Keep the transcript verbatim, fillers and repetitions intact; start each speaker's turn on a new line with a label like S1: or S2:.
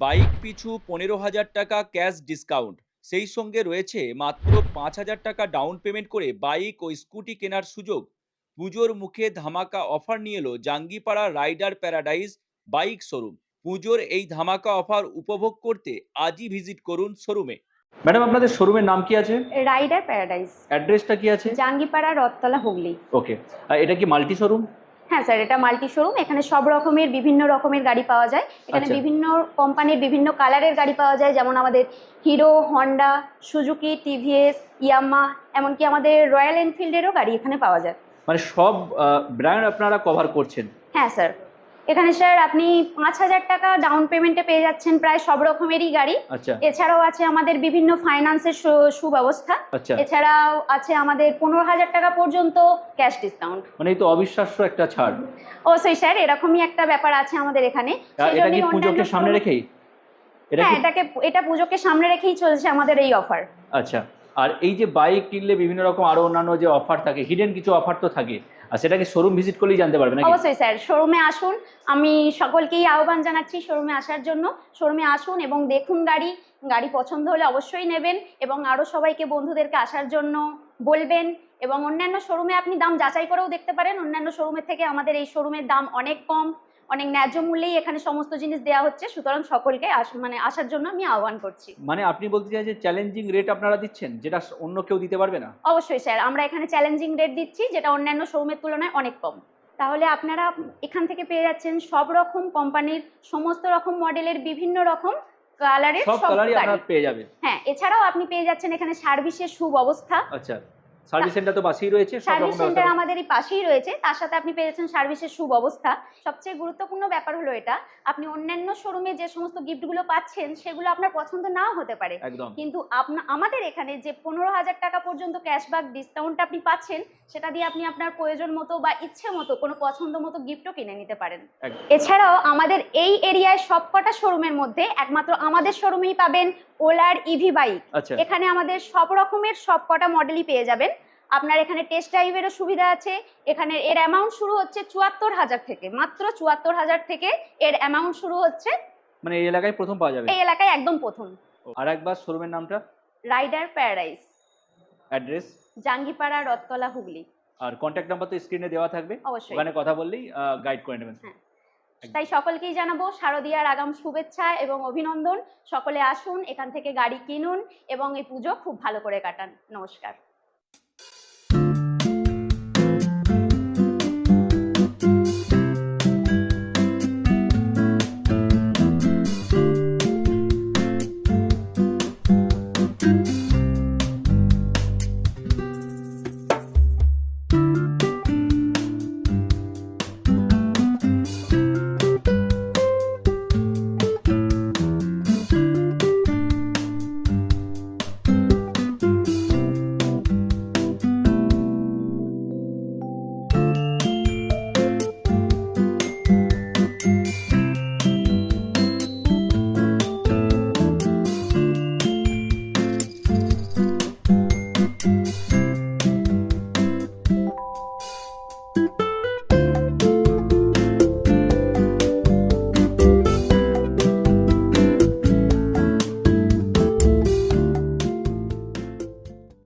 S1: Bike পিছু পনেরো হাজার টাকা ক্যাশ ডিসকাউন্ট, সেই সঙ্গে রয়েছে মাত্র পাঁচ হাজার টাকা ডাউন পেমেন্ট করে বাইক ও স্কুটি কেনার সুযোগ। পুজোর মুখে ধামাকা অফার নিয়ে এলো Jangipara rider paradise bike showroom. পুজোর এই ধামাকা অফার উপভোগ করতে আজই ভিজিট করুন শোরুমে। ম্যাডাম, আপনাদের শোরুমের নাম কি আছে?
S2: Rider paradise.
S1: অ্যাড্রেসটা কি আছে?
S2: জাঙ্গিপাড়া, রথতলা, হুগলি।
S1: ওকে। এটা কি মাল্টি শোরুম?
S2: হ্যাঁ স্যার, এটা মাল্টি শোরুম। এখানে সব রকমের বিভিন্ন রকমের গাড়ি পাওয়া যায়। এখানে
S1: আচ্ছা।
S2: বিভিন্ন কোম্পানির বিভিন্ন কালারের গাড়ি পাওয়া যায়, যেমন আমাদের Hero, Honda, Suzuki, TVS, Yamaha, এমনকি আমাদের রয়্যাল এনফিল্ডেরও গাড়ি এখানে পাওয়া যায়।
S1: মানে সব ব্র্যান্ড আপনারা কভার করছেন?
S2: হ্যাঁ স্যার, এখানে স্যার আপনি পাঁচ হাজার টাকা ডাউন পেমেন্টে পেয়ে যাচ্ছেন প্রায় সব রকমেরই গাড়ি।
S1: আচ্ছা।
S2: এছাড়াও আছে আমাদের বিভিন্ন ফাইন্যান্সের সুব্যবস্থা।
S1: আচ্ছা।
S2: এছাড়াও আছে আমাদের পনেরো হাজার টাকা পর্যন্ত ক্যাশ ডিসকাউন্ট।
S1: মানে এই তো অবিশ্বাস্য একটা ছাড়।
S2: অবশ্যই স্যার, এরকমই একটা ব্যাপার আছে আমাদের এখানে।
S1: এটা কি পুজোকে সামনে রেখেই?
S2: হ্যাঁ, এটাকে এটা পুজোকে সামনে রেখেই চলছে আমাদের এই অফার।
S1: আচ্ছা। আর এই যে বাইক কিনলে বিভিন্ন রকম আরো অন্যান্য যে অফার থাকে, হিডেন কিছু অফার তো থাকে, আর সেটা কি শোরুম ভিজিট করলেই জানতে পারবে নাকি?
S2: অবশ্যই স্যার, শোরুমে আসুন। আমি সকলকেই আহ্বান জানাচ্ছি শোরুমে আসার জন্য। শোরুমে আসুন এবং দেখুন গাড়ি। গাড়ি পছন্দ হলে অবশ্যই নেবেন এবং আরও সবাইকে, বন্ধুদেরকে আসার জন্য বলবেন। এবং অন্যান্য শোরুমে আপনি দাম যাচাই করেও দেখতে পারেন। অন্যান্য শোরুমের থেকে আমাদের এই শোরুমের দাম অনেক কম, অনেক ন্যায্য মূল্যেই এখানে সমস্ত জিনিস দেওয়া হচ্ছে। সুতরাং সকলকে মানে আসার জন্য আমি আহ্বান করছি।
S1: মানে আপনি বলতে চাই যে চ্যালেঞ্জিং রেট আপনারা দিচ্ছেন, যেটা অন্য কেউ দিতে পারবে না?
S2: অবশ্যই স্যার, আমরা এখানে চ্যালেঞ্জিং রেট দিচ্ছি, যেটা অন্যান্য শোরুমের তুলনায় অনেক কম। তাহলে আপনারা এখান থেকে পেয়ে যাচ্ছেন সব রকম কোম্পানির, সমস্ত রকম মডেলের, বিভিন্ন রকম কালারের
S1: সব কালারই
S2: গাড়ি
S1: আপনারা পেয়ে যাবেন।
S2: হ্যাঁ, এছাড়াও আপনি পেয়ে যাচ্ছেন এখানে সার্ভিসের সুব্যবস্থা।
S1: আচ্ছা, সার্ভিস সেন্টার তো পাশেই রয়েছে, সব
S2: সার্ভিস
S1: রকম
S2: সেন্টার
S1: ব্যবস্থা
S2: আমাদের এই পাশেই রয়েছে। তার সাথে আপনি পেয়ে যাচ্ছেন সার্ভিসের সুব্যবস্থা। সবচেয়ে গুরুত্বপূর্ণ ব্যাপার হলো এটা, আপনি অন্যান্য শোরুমে যে সমস্ত গিফটগুলো পাচ্ছেন সেগুলো আপনার পছন্দ নাও হতে পারে, কিন্তু আমাদের এখানে যে পনেরো হাজার টাকা পর্যন্ত ক্যাশব্যাক ডিসকাউন্ট আপনি পাচ্ছেন, সেটা দিয়ে আপনি আপনার প্রয়োজন মতো বা ইচ্ছে মতো কোনো পছন্দ মতো গিফটও কিনে নিতে পারেন। এছাড়াও আমাদের এই এরিয়ায় সবকটা শোরুমের মধ্যে একমাত্র আমাদের শোরুমেই পাবেন ওলার ইভি বাইক। এখানে আমাদের সব রকমের সবকটা মডেলই পেয়ে যাবেন। আপনার এখানে টেস্ট ড্রাইভেরও সুবিধা আছে। এখানে এর অ্যামাউন্ট শুরু হচ্ছে চুয়াত্তর হাজার থেকে, মাত্র চুয়াত্তর হাজার থেকে এর অ্যামাউন্ট শুরু হচ্ছে।
S1: মানে এই এলাকায় প্রথম পাওয়া যাবে?
S2: এই এলাকায় একদম প্রথম।
S1: আর একবার শোরুমের নামটা?
S2: Rider Paradise.
S1: Address?
S2: Jangipara, Rathtala, Hooghly.
S1: আর কন্ট্যাক্ট নাম্বার তো স্ক্রিনে দেওয়া থাকবে, ওখানে কথা বললেই গাইড করে নেবেন।
S2: হ্যাঁ, তাই সকলকেই জানাবো শারদীয়ার আগাম শুভেচ্ছা এবং অভিনন্দন। সকলে আসুন, এখান থেকে গাড়ি কিনুন এবং এই পুজো খুব ভালো করে কাটান। নমস্কার।